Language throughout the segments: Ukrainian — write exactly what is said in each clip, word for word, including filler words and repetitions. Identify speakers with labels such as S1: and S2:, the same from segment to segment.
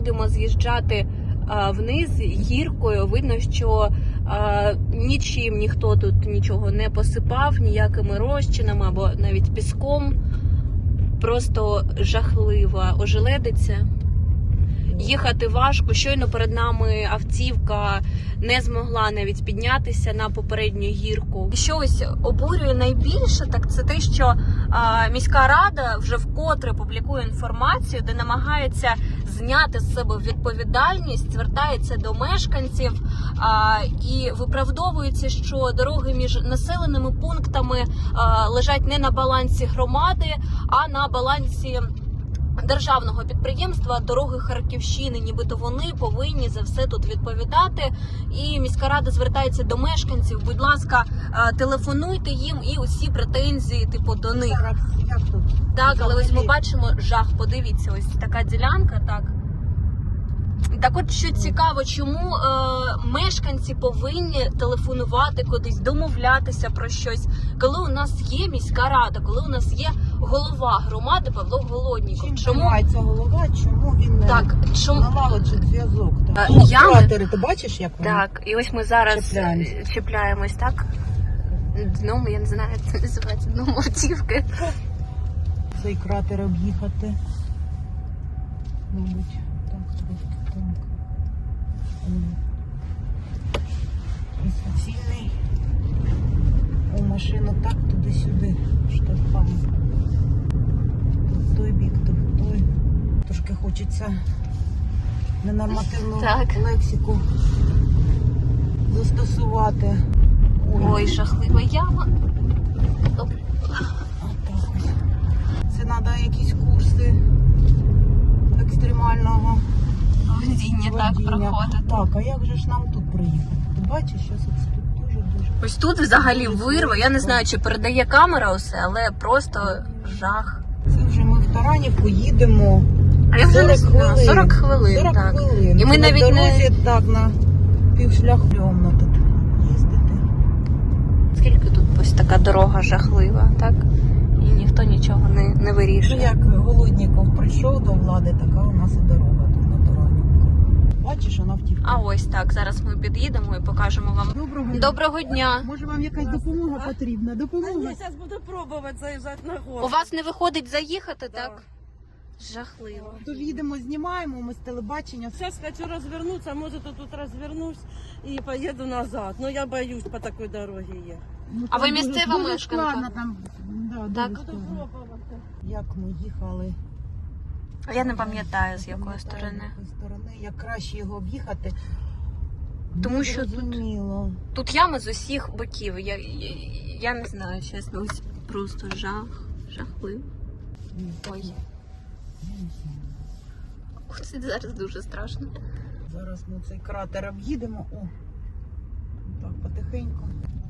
S1: будемо з'їжджати вниз гіркою. Видно, що а, нічим ніхто тут нічого не посипав, ніякими розчинами або навіть піском. Просто жахлива ожеледиця. Їхати важко. Щойно перед нами автівка не змогла навіть піднятися на попередню гірку. Що ось обурює найбільше, так це те, що а, міська рада вже вкотре публікує інформацію, де намагається зняти з себе відповідальність, звертається до мешканців а, і виправдовується, що дороги між населеними пунктами а, лежать не на балансі громади, а на балансі державного підприємства «Дороги Харківщини», нібито вони повинні за все тут відповідати. І міська рада звертається до мешканців, будь ласка, телефонуйте їм і усі претензії, типу, до них.
S2: Як тут?
S1: Так, але ось ми бачимо жах, подивіться, ось така ділянка, так. Так от, що цікаво, чому е, мешканці повинні телефонувати кудись, домовлятися про щось, коли у нас є міська рада, коли у нас є голова громади Павло Голодніков.
S2: Чим займається голова, чому він не
S1: так, чому...
S2: налагоджує зв'язок?
S1: А,
S2: О,
S1: я...
S2: кратери, ти бачиш, як вони?
S1: Так, і ось ми зараз
S2: чіпляємось,
S1: чіпляємось, так? Дном, я не знаю, як це називається, дном автівки.
S2: Цей кратер об'їхати. Мабуть, так, трошки так. І суцільний. О, машину так туди-сюди штовхає. В той бік, то в той. Трошки хочеться ненормативну
S1: так.
S2: лексику застосувати. Ой,
S1: Ой, жахлива яма.
S2: Отак ось. Це треба якісь курси екстремального
S1: Водіння так проходить.
S2: Так, а як же ж нам тут приїхати? Ти бачиш, що тут дуже-дуже...
S1: Ось тут взагалі вирва. Я не знаю, чи передає камера усе, але просто жах.
S2: Це вже ми в Таранівку їдемо.
S1: А я вже не знаю, сорок хвилин,
S2: сорок
S1: так.
S2: хвилин.
S1: І ми
S2: на
S1: навіть
S2: дорозі,
S1: не...
S2: так, на півшляху тут їздити.
S1: Скільки тут ось така дорога жахлива, так? І ніхто нічого не, не вирішує.
S2: Ну, як Голодніков прийшов до влади, така у нас і дорога тут на Таранівку. Бачиш, вона втікла.
S1: А ось так, зараз ми під'їдемо і покажемо вам.
S2: Доброго дня.
S1: Доброго дня.
S2: Може вам якась допомога потрібна? Допомога?
S3: Я зараз буду пробувати заїжджати на гору.
S1: У вас не виходить заїхати,
S3: Да.
S1: так? Жахливо.
S2: То їдемо, знімаємо, ми з телебачення.
S3: Сейчас хочу развернуться, может тут развернусь и поеду назад. Но я боюсь по такой дороге ехать.
S2: Ну,
S1: А
S2: там
S1: ви
S2: дуже-
S1: місцева
S2: дуже
S1: мешканка?
S2: складно там, да,
S1: Так.
S2: дуже
S3: Буду
S2: складно.
S3: пробувати.
S2: Як ми їхали.
S1: Я не пам'ятаю, з якої
S2: Пам'ятаю,
S1: сторони.
S2: з якої сторони. Як краще його об'їхати.
S1: Тому
S2: Не
S1: що тут-
S2: зрозуміло.
S1: Тут ями з усіх боків. Я, я, я не знаю, чесно, ось просто жах, жахливо. Ой.
S2: Я не знаю.
S1: Це зараз дуже страшно.
S2: Зараз ми цей кратер об'їдемо. О, так, потихеньку.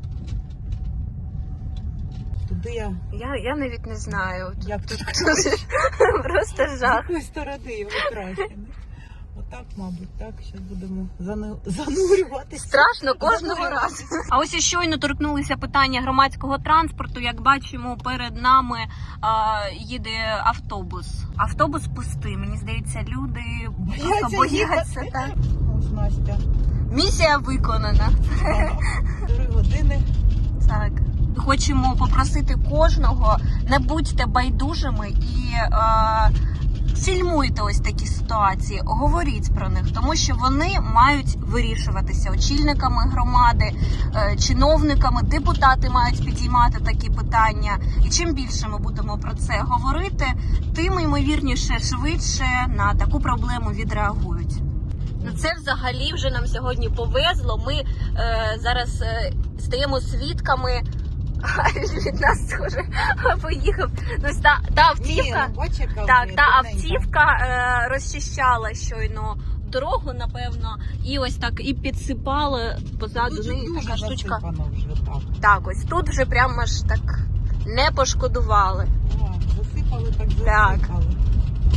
S2: Туди я...
S1: Я, я навіть не знаю.
S2: Як тут?
S1: Просто
S2: З
S1: жах.
S2: якої сторони його краще? не? Отак, мабуть, так. Зараз будемо зану- занурюватися.
S1: Страшно кожного разу. А ось і щойно торкнулися питання громадського транспорту. Як бачимо, перед нами а, їде автобус. Автобус пустий. Мені здається, люди
S2: Бояться
S1: бояться.
S2: їхати.
S1: Так.
S2: Ось Настя.
S1: Місія виконана.
S2: Три години.
S1: Так. Хочемо попросити кожного, не будьте байдужими і е, фільмуйте ось такі ситуації, говоріть про них, тому що вони мають вирішуватися очільниками громади, е, чиновниками, депутати мають підіймати такі питання. І чим більше ми будемо про це говорити, тим ймовірніше швидше на таку проблему відреагують. Ну, це взагалі вже нам сьогодні повезло. Ми е, зараз е, стаємо свідками. Від нас схоже поїхав. Ну, та, та автівка,
S2: Ні, ну, бач, яка
S1: так,
S2: вже
S1: та
S2: тоненька.
S1: автівка е, розчищала щойно дорогу, напевно, і ось так і підсипала позаду
S2: Тут же
S1: неї
S2: дуже
S1: така штучка.
S2: засипано вже так.
S1: Так, ось тут вже прямо ж так не пошкодували.
S2: А, засипали, так
S1: Так.
S2: засипали.